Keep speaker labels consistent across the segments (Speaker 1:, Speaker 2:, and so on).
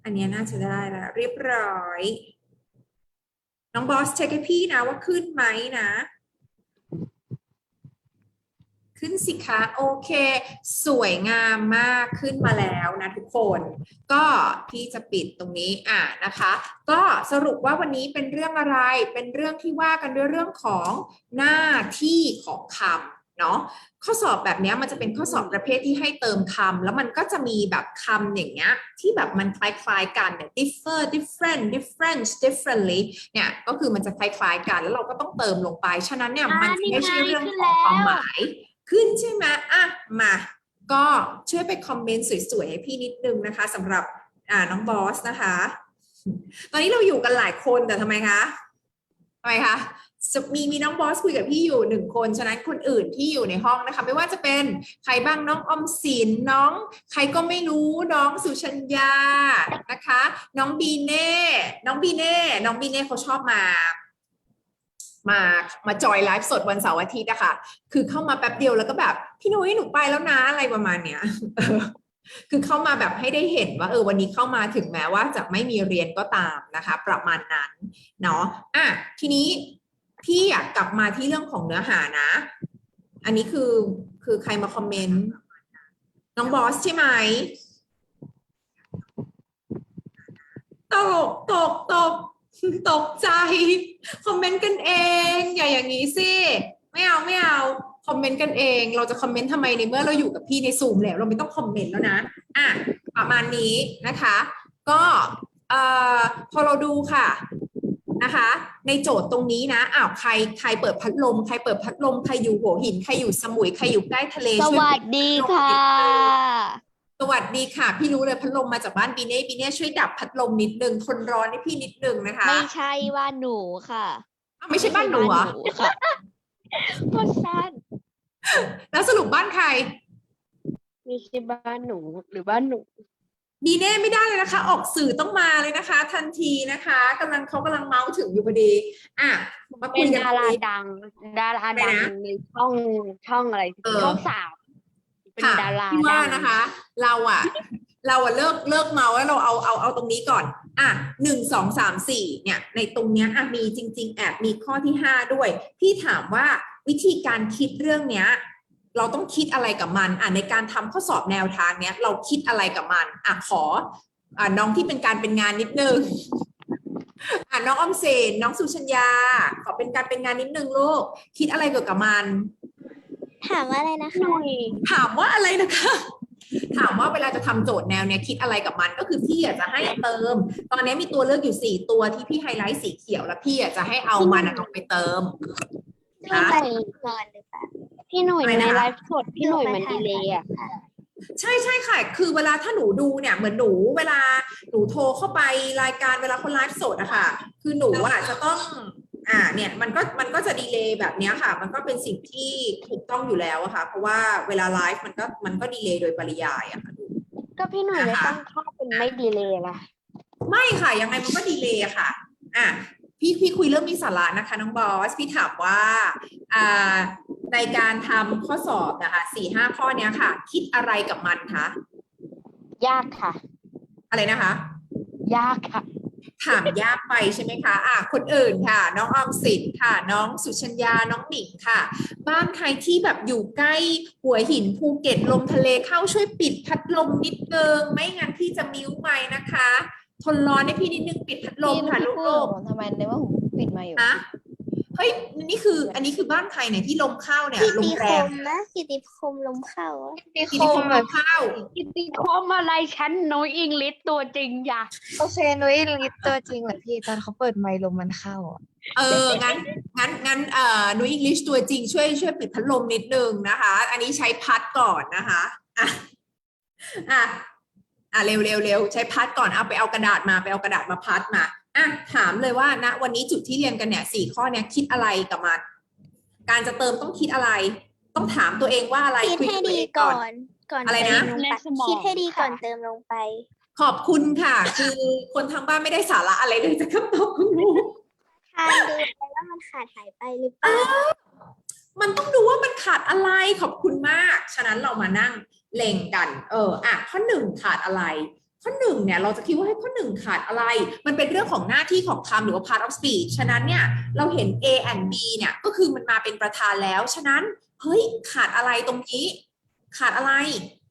Speaker 1: อันเนี้ยน่าจะได้แล้วเรียบร้อยน้องบอสเช็คให้พี่นะว่าขึ้นไหมนะขึ้นสิคะโอเคสวยงามมากขึ้นมาแล้วนะทุกคนก็พี่จะปิดตรงนี้นะคะก็สรุปว่าวันนี้เป็นเรื่องอะไรเป็นเรื่องที่ว่ากันด้วยเรื่องของหน้าที่ของคำเนาะข้อสอบแบบนี้มันจะเป็นข้อสอบประเภทที่ให้เติมคำแล้วมันก็จะมีแบบคำอย่างเงี้ยที่แบบมันคล้ายๆกันเนี่ย differ different difference differently เนี่ยก็คือมันจะคล้ายๆกันแล้วเราก็ต้องเติมลงไปฉะนั้นเนี่ยมันจะไม่ใช่เรื่องของความหมาย ขึ้นใช่ไหมมา ก็ช่วยไปคอมเมนต์สวยๆให้พี่นิดนึงนะคะสำหรับน้องบอสนะคะ ตอนนี้เราอยู่กันหลายคนแต่ทำไมคะมีน้องบอสคุยกับพี่อยู่หนึ่งคนฉะนั้นคนอื่นที่อยู่ในห้องนะคะไม่ว่าจะเป็นใครบ้างน้องอมสินน้องใครก็ไม่รู้น้องสุชัญญานะคะน้องบีเน่เขาชอบมาจอยไลฟ์สดวันเสาร์อาทิตย์อะค่ะคือเข้ามาแป๊บเดียวแล้วก็แบบพี่นุ้ยหนูไปแล้วนะอะไรประมาณเนี้ยคือเข้ามาแบบให้ได้เห็นว่าวันนี้เข้ามาถึงแม้ว่าจะไม่มีเรียนก็ตามนะคะประมาณนั้นเนาะทีนี้พี่อยากกลับมาที่เรื่องของเนื้อหานะอันนี้คือใครมาคอมเมนต์น้องบอสใช่ไหมตกใจคอมเมนต์กันเองอย่าอย่างนี้สิไม่เอาคอมเมนต์กันเองเราจะคอมเมนต์ทำไมในเมื่อเราอยู่กับพี่ในซูมแล้วเราไม่ต้องคอมเมนต์แล้วนะประมาณนี้นะคะก็พอเราดูค่ะนะคะในโจทย์ตรงนี้นะใครเปิดพัดลมใครอยู่หัวหินใครอยู่สมุยใครอยู่ใกล้ทะเล
Speaker 2: สวัสดีค่ะ
Speaker 1: สวัสดีค่ะพี่รู้เลยพัดลมมาจากบ้านบีเน่ช่วยดับพัดลมนิดนึงทนร้อนให้พี่นิดนึงนะคะ
Speaker 2: ไม่ใช่บ้านหนูค่ะ
Speaker 1: ไม่ใช่บ้านหนูเหรอ
Speaker 2: ค่ะบ้านสั้น
Speaker 1: แล้วสรุปบ้านใคร
Speaker 2: ไม่ใช่บ้านหนูหรือบ้านหนู
Speaker 1: บีเน่ไม่ได้เลยนะคะออกสื่อต้องมาเลยนะคะทันทีนะคะเขากำลังเมาส์ถึงอยู่พอดีมาคุยกัน
Speaker 2: ดาราดังในช่องอะไรช่อง3เป็นดารา
Speaker 1: ที่ว่านะคะเราเลิกเมาแล้วเราเอาตรงนี้ก่อน1 2 3 4เนี่ยในตรงเนี้ยมีจริงๆแอบมีข้อที่5ด้วยพี่ถามว่าวิธีการคิดเรื่องเนี้ยเราต้องคิดอะไรกับมันในการทำข้อสอบแนวทางเนี้ยเราคิดอะไรกับมันขอน้องที่เป็นการเป็นงานนิดนึงน้องออมเซนน้องสุชัญญาขอเป็นการเป็นงานนิดนึงลูกคิดอะไรเกี่ยวกับมัน
Speaker 3: ถามว่าอะไรนะคะ
Speaker 1: ถามว่าอะไรนะคะถามว่าเวลาจะทำโจทย์แนวเนี้ยคิดอะไรกับมันก็คือพี่อยากจะให้เติมตอนนี้มีตัวเลือกอยู่4ตัวที่พี่ไฮไลท์สีเขียวแล้วพี่อยากจะให้เอามันลงไปเติม
Speaker 3: พี่หนุ่ยก่อนหรือเปล่า
Speaker 2: พี่หนุ่ยในไลฟ์สดพี่หนุ่ยมันดีเลยอ่ะ
Speaker 1: ใช่ค่ะคือเวลาถ้าหนูดูเนี่ยเหมือนเวลาหนูโทรเข้าไปรายการเวลาคนไลฟ์สดอะค่ะคือหนูจะต้องเนี่ยมันก็จะดีเลย์แบบนี้ค่ะมันก็เป็นสิ่งที่ถูกต้องอยู่แล้วอะค่ะเพราะว่าเวลาไลฟ์มันก็ดีเลย์โดยปริยายอะค่ะ
Speaker 2: ก็พี่หนุ่ยไม่ตั้งค่าเป็นไม่ดีเลย์ล่ะ
Speaker 1: ไม่ค่ะยังไงมันก็ดีเลย์อะค่ะพี่คุยเรื่องมีสาระนะคะน้องบอสพี่ถามว่าในการทำข้อสอบนะคะ4-5 ข้อเนี้ยค่ะคิดอะไรกับมันคะ
Speaker 2: ยากค่ะ
Speaker 1: อะไรนะคะ
Speaker 2: ยากค่ะ
Speaker 1: ถามยากไปใช่ไหมคะคนอื่นค่ะน้องออมสินค่ะน้องสุชัญญาน้องหนิงค่ะบ้านใครที่แบบอยู่ใกล้หัวหินภูเก็ตลมทะเลเข้าช่วยปิดพัดลมนิดนึงไม่งั้นพี่จะมิ้วไม้นะคะทนร้อนให้พี่นิดนึงปิดพัดลมค่ะลูก
Speaker 2: ๆทำไมในว่าผมปิดมาอยู่
Speaker 1: เฮ้ยอันนี้คือบ้านใครเนี่ยที่ลมเข้าเนี่ยลมแรง
Speaker 3: นะกิติคมลมเข้า
Speaker 1: กิติคมลมเข้า
Speaker 2: กิติคมอะไรฉันนุ้ยอิงลิสตัวจริงอย่า
Speaker 4: โอเคนุ้ยลิสตัวจริงเหรอพี่ตอนเขาเปิดไมค์ลมมันเข้า
Speaker 1: งั้นนุ้ยอังกฤษตัวจริงช่วยปิดพัดลมนิดนึงนะคะอันนี้ใช้พัดก่อนนะคะเร็วใช้พัดก่อนเอากระดาษมาพัดมาถามเลยว่าณวันนี้จุดที่เรียนกันเนี่ย4 ข้อเนี่ยคิดอะไรกับมันการจะเติมต้องคิดอะไรต้องถามตัวเองว่าอะไร
Speaker 3: คิดให้ดีก่อน
Speaker 1: อะไรนะ
Speaker 3: คิดให้ดีก่อนเติมลงไป
Speaker 1: ขอบคุณค่ะคือคนทางบ้านไม่ได้สาระอะไรเลยจะคำตอบคุณครู
Speaker 3: ทานดูไปว่ามันขาดหายไปหรือเปล่า
Speaker 1: มันต้องดูว่ามันขาดอะไรขอบคุณมากฉะนั้นเรามานั่งเล็งกันข้อ 1ขาดอะไรข้อหนึ่งเนี่ยเราจะคิดว่าให้ข้อหนึ่งขาดอะไรมันเป็นเรื่องของหน้าที่ของคำหรือว่า part of speech ฉะนั้นเนี่ยเราเห็น A and B เนี่ยก็คือมันมาเป็นประธานแล้วฉะนั้นเฮ้ยขาดอะไรตรงนี้ขาดอะไร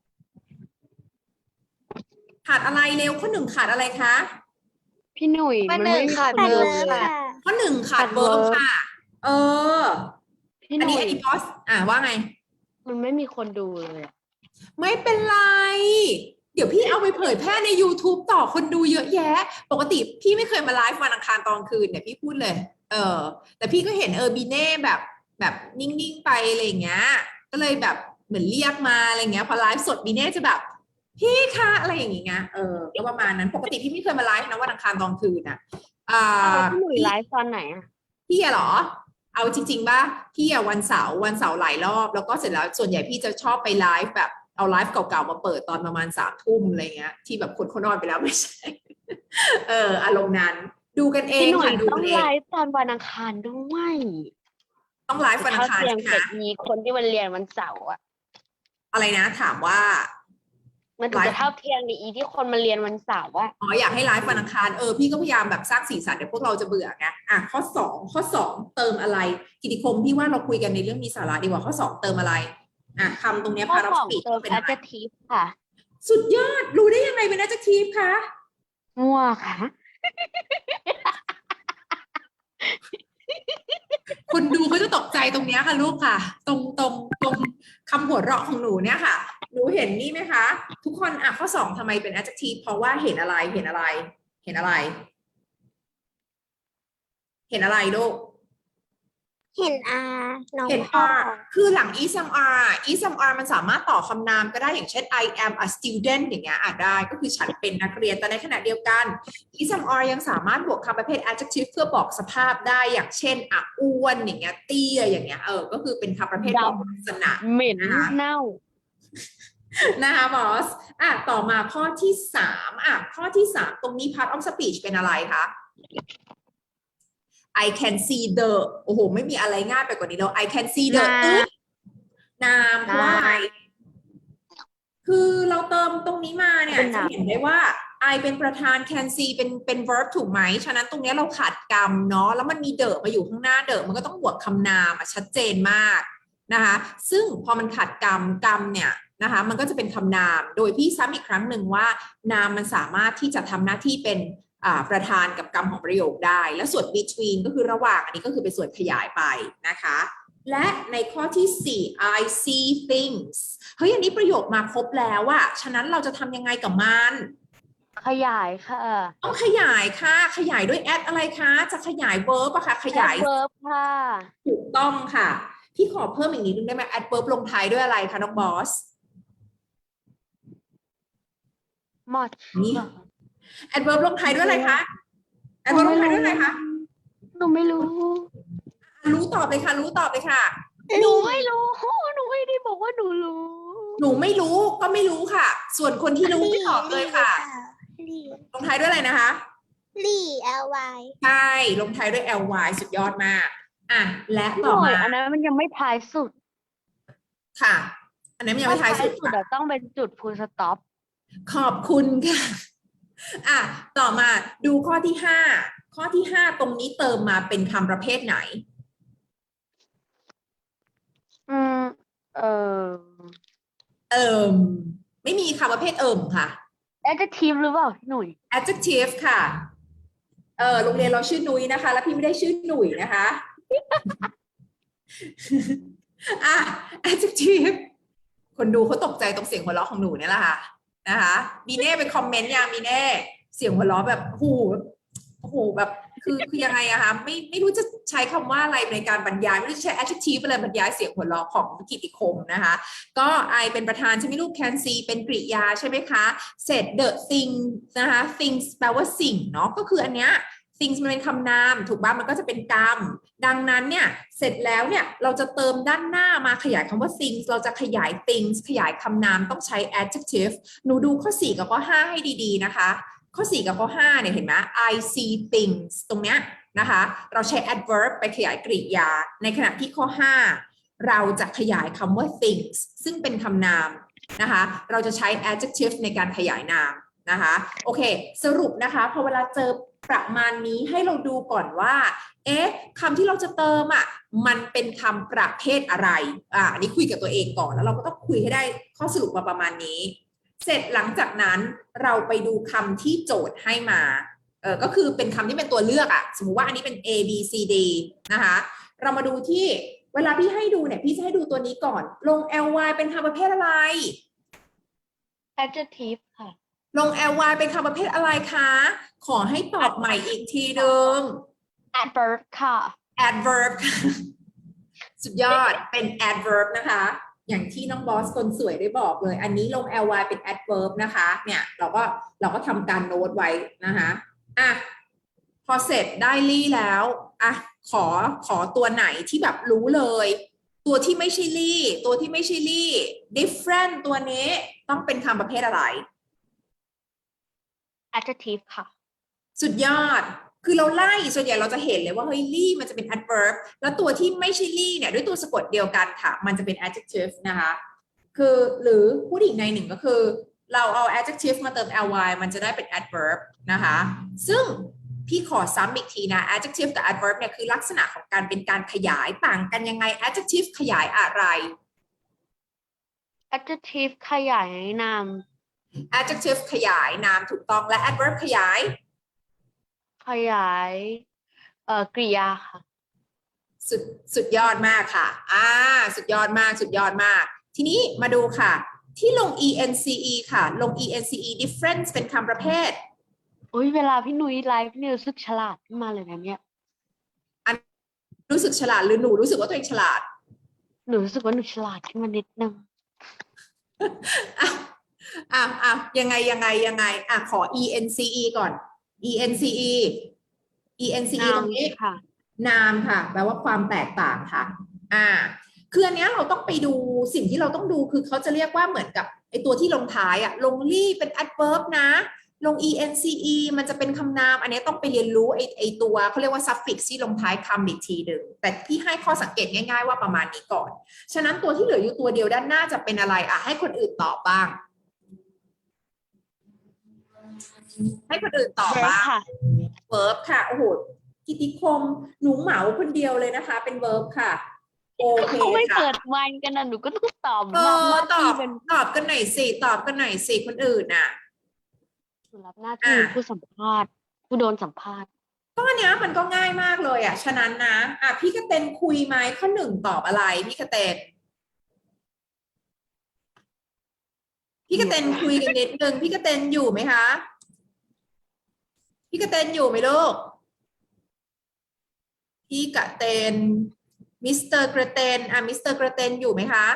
Speaker 1: ขาดอะไรเร็วข้อหนึ่งขาดอะไรคะ
Speaker 2: พี่หนุ่ย
Speaker 4: ข้อ
Speaker 2: มัน
Speaker 4: หนึ่
Speaker 2: ไม่
Speaker 4: ง
Speaker 2: มี
Speaker 4: ขาด
Speaker 2: คน
Speaker 3: เวิ
Speaker 2: ดู
Speaker 3: ร์บ
Speaker 2: เลย
Speaker 3: ค่ะ
Speaker 1: ข้อหนึ่งขาด
Speaker 2: ขาด
Speaker 1: เวิร์บ
Speaker 2: verb
Speaker 1: ค่ะ เออ
Speaker 2: พี่ห
Speaker 1: อัน
Speaker 2: นุ่
Speaker 1: นี้
Speaker 2: ย
Speaker 1: บอสว่าไง
Speaker 2: มันไม่มีคนดูเลยอะ
Speaker 1: ไม่เป็นไร เดี๋ยวพี่เอาไปเผยแพร่ใน YouTube ต่อคนดูเยอะแยะ ปกติพี่ไม่เคยมาไลฟ์วันอังคารตอนคืนเนี่ยพี่พูดเลย แต่พี่ก็เห็นบีเน่แบบนิ่งๆไปอะไรอย่างเงี้ย ก็เลยแบบเหมือนเรียกมาอะไรเงี้ย พอไลฟ์สดบีเน่จะแบบ พี่คะอะไรอย่างเงี้ย ก็ประมาณนั้น ปกติพี่ไม่เคยมาไลฟ์นะวันอังคารตอนคืนอ่ะ
Speaker 2: พี่หนุ่ยไลฟ์ตอนไหนอะ
Speaker 1: พี่อะเหรอ เอาจริงๆป่ะพี่อะวันเสาร์หลายรอบ แล้วก็เสร็จแล้วส่วนใหญ่พี่จะชอบไปไลฟ์แบบเอาไลฟ์เก่าๆมาเปิดตอนประมาณ3 ทุ่มอะไรเงี้ยที่แบบคนเขานอนไปแล้วไม่ใช่ อารมณ์นั้น ดูกันเอง
Speaker 2: พี่หนุ่ย
Speaker 1: ค่ะดู
Speaker 2: ต้อ
Speaker 1: กั
Speaker 2: ง
Speaker 1: นเอ
Speaker 2: ไล
Speaker 1: ง
Speaker 2: ฟ์ตอนวันอังคารด้วย
Speaker 1: ต้องไลฟ์วันอังคาร
Speaker 2: เที่ย
Speaker 1: ใช่
Speaker 2: ง
Speaker 1: ไหม
Speaker 2: เสร็จมีคนที่วันเรียนวันเสาร์อะ
Speaker 1: อะไรนะถามว่า
Speaker 2: มันถึงจะเท่าเทียมในอีที่คนมาเรียนวันเสาร์อะ
Speaker 1: อยากให้ไลฟ์วันอังคารพี่ก็พยายามแบบสร้างสีสันเดี๋ยวพวกเราจะเบื่อไงข้อสองเติมอะไรกิติคมพี่ว่าเราคุยกันในเรื่องมีสาระดีกว่าข้อ2เติมอะไรคำตรงเนี้ย
Speaker 2: ข้อ
Speaker 1: part of
Speaker 2: สอง
Speaker 1: speech
Speaker 2: เติม
Speaker 1: เป็นอะไร
Speaker 2: adjective ค่ะ
Speaker 1: สุดยอดรู้ได้ยังไงเป็น adjective คะ
Speaker 2: มั่วค่ะ
Speaker 1: คนดูเขาจะตกใจตรงเนี้ยค่ะลูกค่ะ ตรงคำหัวเราะของหนูเนี่ยค่ะหนูเห็นนี่ไหมคะ ทุกคนข้อ2ทำไมเป็น adjective เพราะว่าเห็นอะไรเห็นอะไรลูก
Speaker 3: เห็นน้อง
Speaker 1: เห็น
Speaker 3: พ่อ
Speaker 1: R คือหลัง ismr มันสามารถต่อคำนามก็ได้อย่างเช่น I am a student อย่างเงี้ยได้ก็คือฉันเป็นนักเรียนแต่ในขณะเดียวกัน ismr ยังสามารถบวกคำประเภท adjective เพื่อบอกสภาพได้อย่างเช่นอ้วนอย่างเงี้ยเตี้ยอย่างเงี้ยก็คือเป็นคำประเภทบอกลักษณะ
Speaker 2: เหม็น
Speaker 1: นะคะ
Speaker 2: เน่า
Speaker 1: นะคะบอสต่อมาข้อที่3ข้อที่3ตรงนี้ part of speech เป็นอะไรคะ I can see the โอ้โหไม่มีอะไรง่ายไปกว่านี้แล้ว I can see the นามเพราะว่าอะไรคือเราเติมตรงนี้มาเนี่ย
Speaker 2: เป็น
Speaker 1: จะ
Speaker 2: นาม
Speaker 1: เห็นได้ว่า I เป็นประธาน can see เป็น verb ถูกไหมฉะนั้นตรงนี้เราขาดกรรมเนาะแล้วมันมีเดอะมาอยู่ข้างหน้าเดอะมันก็ต้องบวกคำนามชัดเจนมากนะคะซึ่งพอมันขาดกรรมเนี่ยนะคะมันก็จะเป็นคำนามโดยพี่ซ้ำอีกครั้งหนึ่งว่านามมันสามารถที่จะทำหน้าที่เป็นประธานกับกรรมของประโยคได้และส่วน between ก็คือระหว่างอันนี้ก็คือเป็นส่วนขยายไปนะคะและในข้อที่4 I see things เฮ้ยอันนี้ประโยคมาครบแล้วอะฉะนั้นเราจะทำยังไงกับมัน
Speaker 2: ขยายค่ะ
Speaker 1: ต้องขยายค่ะขยายด้วย add อะไรคะจะขยาย verb อะค่ะขยาย
Speaker 2: verb ค่ะ
Speaker 1: ถูกต้องค่ะพี่ขอเพิ่มอีกนิดนึงได้ไหม add verb ลงท้ายด้วยอะไรคะน้องบอส
Speaker 2: much
Speaker 1: นี่ add verb ลงท้ายด้วยอะไรคะ add verb ลงท้ายด้วยอะไรคะ
Speaker 2: หนูไม่รู้
Speaker 1: รู้ตอบเลยค่ะรู้ตอบเลยค่ะ
Speaker 2: หนูไม่รู้ หนูไม่ได้บอกว่าหนูรู้
Speaker 1: หนูไม่รู้ก็ไม่รู้ค่ะ ส่วนคนที่รู้ไม่ตอบเลยค่ะ
Speaker 3: ลี่
Speaker 1: ลงท้ายด้วยอะไรนะคะ
Speaker 3: ลี่ ly
Speaker 1: ใช่ลงท้ายด้วย ly สุดยอดมากและ
Speaker 2: ห
Speaker 1: ต่อ
Speaker 2: น่อย
Speaker 1: มา
Speaker 2: อันนั้นมันยังไม่ท้ายสุด
Speaker 1: ค่ะ อันนี้นยังไม่ท้ายสุดค่ะ
Speaker 2: เดี๋ยวต้องเป็นจุด full stop
Speaker 1: ขอบคุณค่ะต่อมาดูข้อที่5ตรงนี้เติมมาเป็นคำประเภทไหน ไม่มีคำประเภทค่ะ
Speaker 2: adjective หรือเปล่าพี่หนุ่ย
Speaker 1: adjective ค่ะโรงเรียนเราชื่อนุ้ยนะคะ แล้วพี่ไม่ได้ชื่อหนุ่ยนะคะ adjective คนดูเขาตกใจตรงเสียงหัวเราะของหนูเนี่ยแหละค่ะนะคะมีเน่ไปคอมเมนต์ยังมีเน่เสียงหัวเราะแบบโอ้โหแบบคือยังไงอะคะไม่รู้จะใช้คำว่าอะไรในการบรรยายไม่รู้จะใช้ adjective อะไรบรรยายเสียงหัวเราะของกิตติคมนะคะก็ I เป็นประธานใช่ไหมลูก can see เป็นกริยาใช่ไหมคะเสร็จ the thing นะคะ things แปลว่าสิ่งเนาะก็คืออันเนี้ย things มันเป็นคำนามถูกป่ะมันก็จะเป็นกรรมดังนั้นเนี่ยเสร็จแล้วเนี่ยเราจะเติมด้านหน้ามาขยายคำว่า things เราจะขยาย things ขยายคำนามต้องใช้ adjective หนูดูข้อ4กับข้อ5ให้ดีๆนะคะข้อ4กับข้อ5เนี่ยเห็นไหม I see things ตรงเนี้ยนะคะเราใช้ adverb ไปขยายกริยาในขณะที่ข้อ5เราจะขยายคำว่า things ซึ่งเป็นคำนามนะคะเราจะใช้ adjective ในการขยายนามนะคะโอเคสรุปนะคะพอเวลาเจอประมาณนี้ให้เราดูก่อนว่าเอ๊ะคำที่เราจะเติมอ่ะมันเป็นคำประเภทอะไรอันนี้คุยกับตัวเองก่อนแล้วเราก็ต้องคุยให้ได้ข้อสรุปมาประมาณนี้เสร็จหลังจากนั้นเราไปดูคำที่โจทย์ให้มาก็คือเป็นคำที่เป็นตัวเลือกอ่ะสมมุติว่าอันนี้เป็น A B C D นะคะเรามาดูที่เวลาพี่ให้ดูเนี่ยพี่จะให้ดูตัวนี้ก่อนลง ly เป็นคำประเภทอะไร
Speaker 2: adjective ค่ะ
Speaker 1: ลง ly เป็นคำประเภทอะไรคะ ขอให้ตอบใหม่อีกทีหนึ่ง
Speaker 2: adverb ค่ะ
Speaker 1: adverb สุดยอดเป็น adverb นะคะ อย่างที่น้องบอสคนสวยได้บอกเลย อันนี้ลง ly เป็น adverb นะคะ เนี่ยเราก็ทำการโน้ตไว้นะคะอ่ะพอเสร็จได้ลี่แล้วอ่ะขอตัวไหนที่แบบรู้เลย ตัวที่ไม่ใช่ลี่ตัวที่ไม่ใช่ลี่ different ตัวนี้ต้องเป็นคำประเภทอะไร
Speaker 2: adjective ค่ะ
Speaker 1: สุดยอด คือเราไล่ส่วนใหญ่เราจะเห็นเลยว่าเฮ้ยลี่มันจะเป็น adverb แล้วตัวที่ไม่ใช่ลี่เนี่ยด้วยตัวสะกดเดียวกันค่ะ มันจะเป็น adjective นะคะ คือหรือพูดอีกในหนึ่งก็คือ เราเอา adjective มาเติม ly มันจะได้เป็น adverb นะคะ ซึ่งพี่ขอซ้ำอีกทีนะ adjective กับ adverb เนี่ยคือลักษณะของการเป็นการขยายต่างกันยังไง adjective ขยายอะไร
Speaker 2: adjective ขยายนาม
Speaker 1: adjective ขยายนามถูกต้องและ adverb ขยาย
Speaker 2: ขยายกริยาค่ะ
Speaker 1: สุดยอดมากค่ะสุดยอดมากสุดยอดมาก ทีนี้มาดูค่ะ ที่ลง ence ค่ะ ลง ence difference เป็นคำประเภท
Speaker 2: โอ้ยเวลาพี่นุ้ยไลฟ์พี่นุ้ยรู้สึกฉลาดขึ้นมาเลยนะเนี่ย
Speaker 1: รู้สึกฉลาดหรือหนูรู้สึกว่าตัวเองฉลาด
Speaker 2: หนูรู้สึกว่าหนูฉลาดขึ้นมานิดนึง
Speaker 1: ยังไงขอ ence ก่อน ence ตรงนี้
Speaker 2: ค่ะ
Speaker 1: นามค่ะแปลว่าความแตกต่างค่ะคืออันเนี้ยเราต้องไปดูสิ่งที่เราต้องดูคือเขาจะเรียกว่าเหมือนกับไอตัวที่ลงท้ายลงลี่เป็น adverb นะลง ence มันจะเป็นคำนามอันนี้ต้องไปเรียนรู้ไอตัวเขาเรียกว่า suffix ที่ลงท้ายคำอีกทีหนึ่งแต่พี่ให้ข้อสังเกตง่ายๆว่าประมาณนี้ก่อนฉะนั้นตัวที่เหลืออยู่ตัวเดียวด้านหน้าจะเป็นอะไรให้คนอื่นตอบบ้าง ให้คนอื่นตอบบ้าง verb ค่ะโอ้โหกิติคมหนูเหมาคนเดียวเลยนะคะเป็น verb ค่ะโอเค
Speaker 2: เขาไม่
Speaker 1: ค่ะ
Speaker 2: เปิดไมค์กันนะหนูก็ต้องตอบ
Speaker 1: ต
Speaker 2: หน้า
Speaker 1: อบ
Speaker 2: ที่เป็น
Speaker 1: กันหน่อยสิตอบกันหน่อยสิคนอื่นน่ะ
Speaker 2: หนูรับหน้าที่เป็นผู้สัมภาษณ์ผู้โดนสัมภาษณ์
Speaker 1: ก็อันเนี้ยมันก็ง่ายมากเลยฉะนั้นนะพี่กระเตนคุยไหมข้อหนึ่งตอบอะไรพี่กระเตนคุยกันนิดนึงพี่กระเตนอยู่ไหมคะพี่กระเตนอยู่ไหมลูกพี่กระเตนมิสเตอร์กระเตนมิสเตอร์กระเตนอยู่ไหมคะ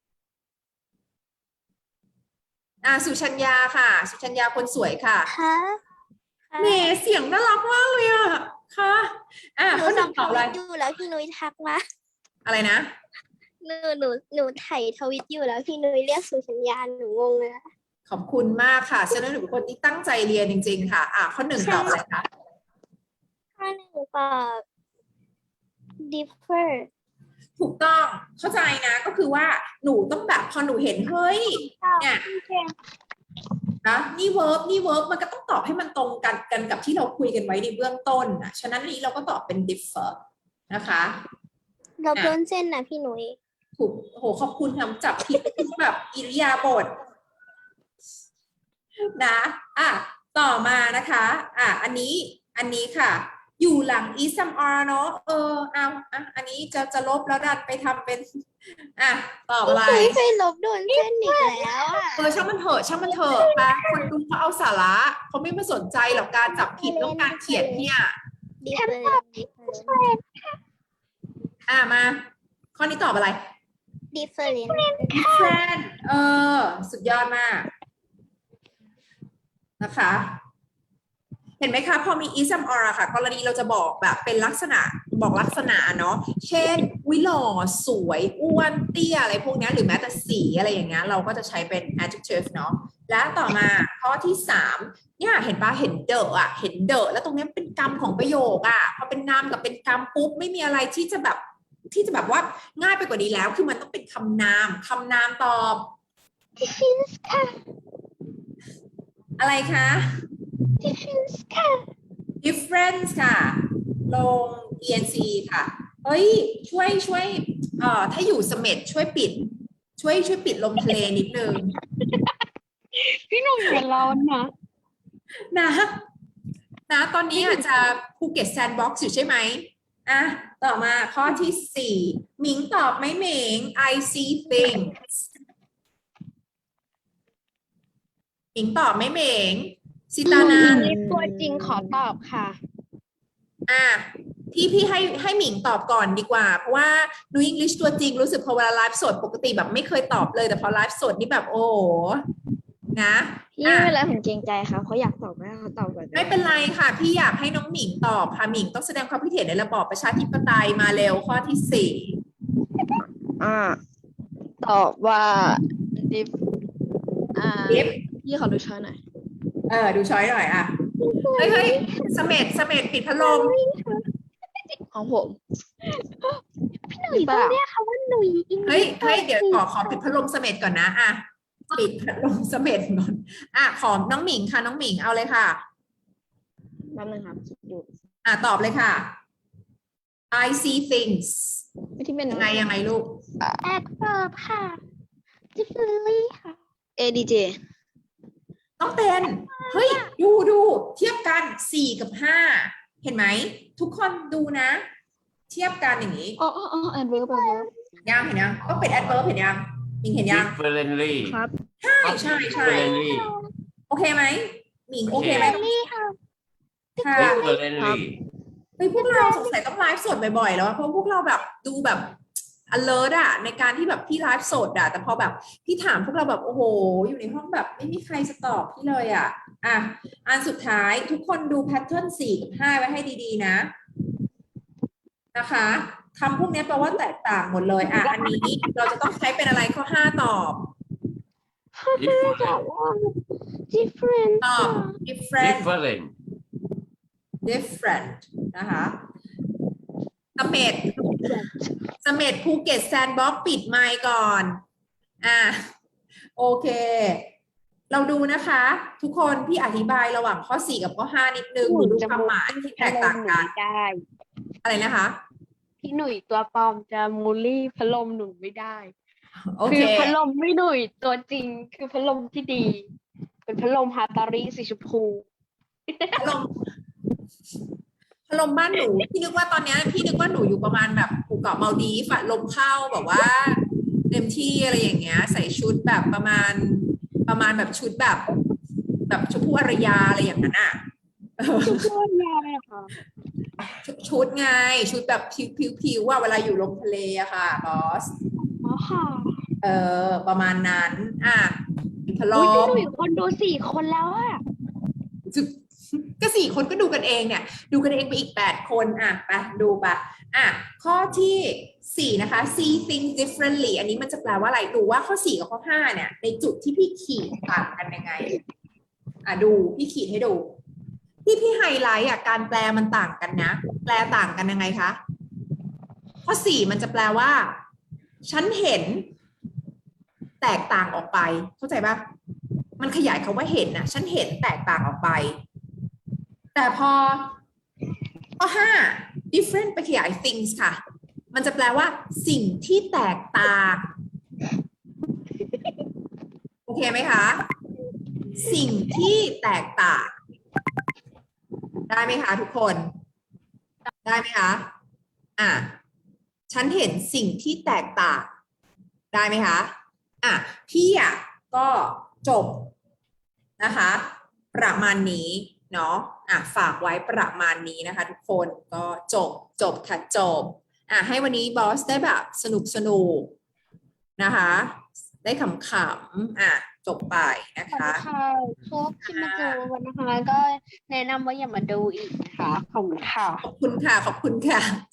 Speaker 1: สุชัญญาค่ะสุชัญญาคนสวยค่ะ
Speaker 3: ค่ะ
Speaker 1: แหมเสียงน่ารักมากเลยค่ะ
Speaker 3: หนู
Speaker 1: ข้อหนึ่ง
Speaker 3: ทำ
Speaker 1: ตอบอะไร
Speaker 3: อยู่แล้วพี่นุ้ยทักมา
Speaker 1: อะไรนะ
Speaker 3: หนูไถทวิตอยู่แล้วพี่นุ้ยเรียกสุสัญญาหนูงงเลย
Speaker 1: ขอบคุณมากค่ะฉันเป็นคนที่ตั้งใจเรียนจริงๆค่ะข้อหนึ่งตอบอะไรคะ
Speaker 3: ข้อหนึ่งตอบ differ
Speaker 1: ถูกต้องเข้าใจนะก็คือว่าหนูต้องแบบพอหนูเห็นเฮ้ยเนี่ยนะนี่เวิร์บมันก็ต้องตอบให้มันตรงกันกับที่เราคุยกันไว้ในเบื้องต้นฉะนั้นนี้เราก็ตอบเป็น differ นะคะ
Speaker 3: เราโดนเส้นนะพี่นุ้ย
Speaker 1: ถูกโหขอบคุณทำจับผิดแบบอิริยาบถนะต่อมานะคะอันนี้ค่ะอยู่หลัง is some are เนอะอันนี้จะลบแล้วดันไปทำเป็นต่ออะไร
Speaker 3: เคยลบโดนเส้นอีกแล้ว
Speaker 1: ช่างมันเถอะค่ะคนดูเขาเอาสาระเขาไม่มาสนใจหรอกการจับผิดแล้วการเขียนเนี่ย
Speaker 3: differ
Speaker 1: มาข้อนี้ตอบอะไร
Speaker 3: different
Speaker 1: different สุดยอดมากนะคะ เห็นไหมคะพอมี is some are ค่ะกรณีเราจะบอกแบบเป็นลักษณะเนาะเช่นวิหล่อสวยอ้วนเตี้ยอะไรพวกนี้หรือแม้แต่สีอะไรอย่างเงี้ยเราก็จะใช้เป็น adjective เนาะและต่อมาข้อที่3เนี่ยเห็นปะเห็นเดอะแล้วตรงนี้เป็นกรรมของประโยคพอเป็นนามกับเป็นกรรมปุ๊บไม่มีอะไรที่จะแบบว่าง่ายไปกว่านี้แล้วคือมันต้องเป็นคำนามตอบอะไรคะ
Speaker 3: difference ค่ะ
Speaker 1: difference ค่ะ ลง ENC ค่ะ เฮ้ย ช่วยถ้าอยู่เสม็ดช่วยปิด ช่วยปิดลมทะเลนิดนึง
Speaker 2: พี่หนุ่ยอย่าร้อนนะ
Speaker 1: นะตอนนี้อาจจะภูเก็ตแซนด์บ็อกซ์อยู่ใช่ไหมอ่ะต่อมาข้อที่สี่หมิงตอบไหมหมิง I see things หมิงตอบไหมหมิงสิตานา
Speaker 2: ตัวจริงขอตอบค่ะ
Speaker 1: อ่ะพี่ให้หมิงตอบก่อนดีกว่า เพราะว่านูอังกฤษตัวจริงรู้สึกพอเวลาไลฟ์สดปกติแบบไม่เคยตอบเลยแต่พอไลฟ์สดนี่แบบโอ้โหนะ
Speaker 3: พี่ไม่เป็นไรผมเกรงใจครับเขาอยากตอบก็ให้เขาตอบก่อน
Speaker 1: ไม่เป็นไรค่ะ พี่อยากให้น้องหมิงตอบค่ะหมิงต้องแสดงความคิดเห็นในระบอบประชาธิปไตยมาเร็วข้อที่สี่
Speaker 4: ตอบว่า diff
Speaker 1: ดิฟ
Speaker 4: พี่ขอดูช้อยหน่อย
Speaker 1: ดูช้อยหน่อยอ่ะเฮ้ยเสม็ดปิดพัดลม
Speaker 4: ของผม
Speaker 3: พี่หนุ่ยต้องเรียกเขาว่าหนุ่ยอิง
Speaker 1: เฮ้ยเดี๋ยวขอปิดพัดลมเสม็ดก่อนนะอ่ะปิดพัดลมเสม็ดก่อนอ่ะขอน้องหมิงค่ะน้องหมิงเอาเลยค่ะ
Speaker 2: แป๊บนึงครับคิดอยู่
Speaker 1: ตอบเลยค่ะ I see things
Speaker 2: ที่เป็น
Speaker 1: ยังไงลูก
Speaker 3: แอดเวิร์บค่ะ differently ค่ะ
Speaker 4: ADJ
Speaker 1: ต้องเป็นเฮ้ยดูเทียบกัน4 กับ 5 เห็นไหมทุกคนดูนะ เทียบกันอย่างนี้
Speaker 4: adverb
Speaker 1: ยังเห็นยังต้องเป็น adverb เห็นยังหมิงเห็นยัง
Speaker 5: differently
Speaker 4: ครับ
Speaker 1: ใช่
Speaker 5: differently
Speaker 1: โอเคไหมหมิงโอเคไหม
Speaker 3: นี่ค่ะ
Speaker 1: ค่ะ
Speaker 5: differently
Speaker 1: เฮ้ยพวกเราสงสัยต้องไลฟ์สดบ่อยๆแล้วอะเพราะพวกเราแบบดูแบบ alert อะในการที่แบบพี่ไลฟ์สดอะแต่พอแบบพี่ถามพวกเราแบบโอ้โหอยู่ในห้องแบบไม่มีใครจะตอบพี่เลยอะอันสุดท้ายทุกคนดูแพทเทิร์น4 กับ 5 ไว้ให้ดีๆนะนะคะคำพวกนี้แปลว่าแตกต่างหมดเลยอันนี้เราจะต้องใช้เป็นอะไรข้อ 5 ตอบ
Speaker 3: different
Speaker 1: ตอบ different
Speaker 5: different
Speaker 1: different นะคะเสม็ดภูเก็ตแซนด์บ็อกซ์ปิดไมค์ก่อนโอเค เราดูนะคะ ทุกคนพี่อธิบายระหว่างข้อ 4 กับข้อ 5 นิดนึงดูความหมายที่แตกต่างกัน
Speaker 2: ได้
Speaker 1: อะไรนะคะ
Speaker 2: พี่หนุ่ยตัวปลอมจะมูลลี่พัดลมหนูไม่ได้
Speaker 1: โอ
Speaker 2: คื
Speaker 1: เค
Speaker 2: อพัดลมไม่หนุ่ยตัวจริงคือพัดลมที่ดี เป็นพัดลมฮาตาริสีชมพู
Speaker 1: พัดลมบ้านหนูพี่นึกว่าตอนเนี้ยพี่นึกว่าหนูอยู่ประมาณแบบภูเก็ตมาลดีฟอะลมเข้าแบบว่าเต็มที่อะไรอย่างเงี้ยใส่ชุดแบบประมาณแบบชุดแบบชมพู่อารยาอะไรอย่างนั้นอะ
Speaker 2: ชมพูยาเลยค่ะ
Speaker 1: ชุดไงชุดแบบผิวว่าเวลาอยู่ลมทะเลอะค่ะบอส
Speaker 2: อ๋อค่ะ
Speaker 1: ประมาณนั้นพัดล
Speaker 2: อุ๊ยพี่
Speaker 1: ม
Speaker 2: หนุ่ยคนดู4 คนแล้วอะ
Speaker 1: ก็4 คนก็ดูกันเองเนี่ยดูกันเองไปอีก8 คนไปดูไปข้อที่4นะคะ see things differently อันนี้มันจะแปลว่าอะไรดูว่าข้อ4กับข้อ5เนี่ยในจุดที่พี่ขีดต่างกันยังไงดูพี่ขีดให้ดูที่พี่ไฮไลท์การแปลมันต่างกันนะแปลต่างกันยังไงคะข้อ4มันจะแปลว่าฉันเห็นแตกต่างออกไปเข้าใจปะมันขยายคำว่าเห็นนะฉันเห็นแตกต่างออกไปแต่พอข้อ5 different ไปขยาย things ค่ะมันจะแปลว่าสิ่งที่แตกต่างโอเคไหมคะสิ่งที่แตกต่างได้ไหมคะทุกคนได้ไหมคะฉันเห็นสิ่งที่แตกต่างได้ไหมคะพี่ก็จบนะคะประมาณนี้เนาะฝากไว้ประมาณนี้นะคะทุกคนก็จบค่ะจบให้วันนี้บอสได้แบบสนุกนะคะได้ขำๆจบไปนะคะ
Speaker 2: ค่ะพวกที่มาเจอวันนะคะ ก็แนะนำว่าอย่ามาดูอีกนะคะขอบคุณค่ะ
Speaker 1: ขอบคุณค่ะ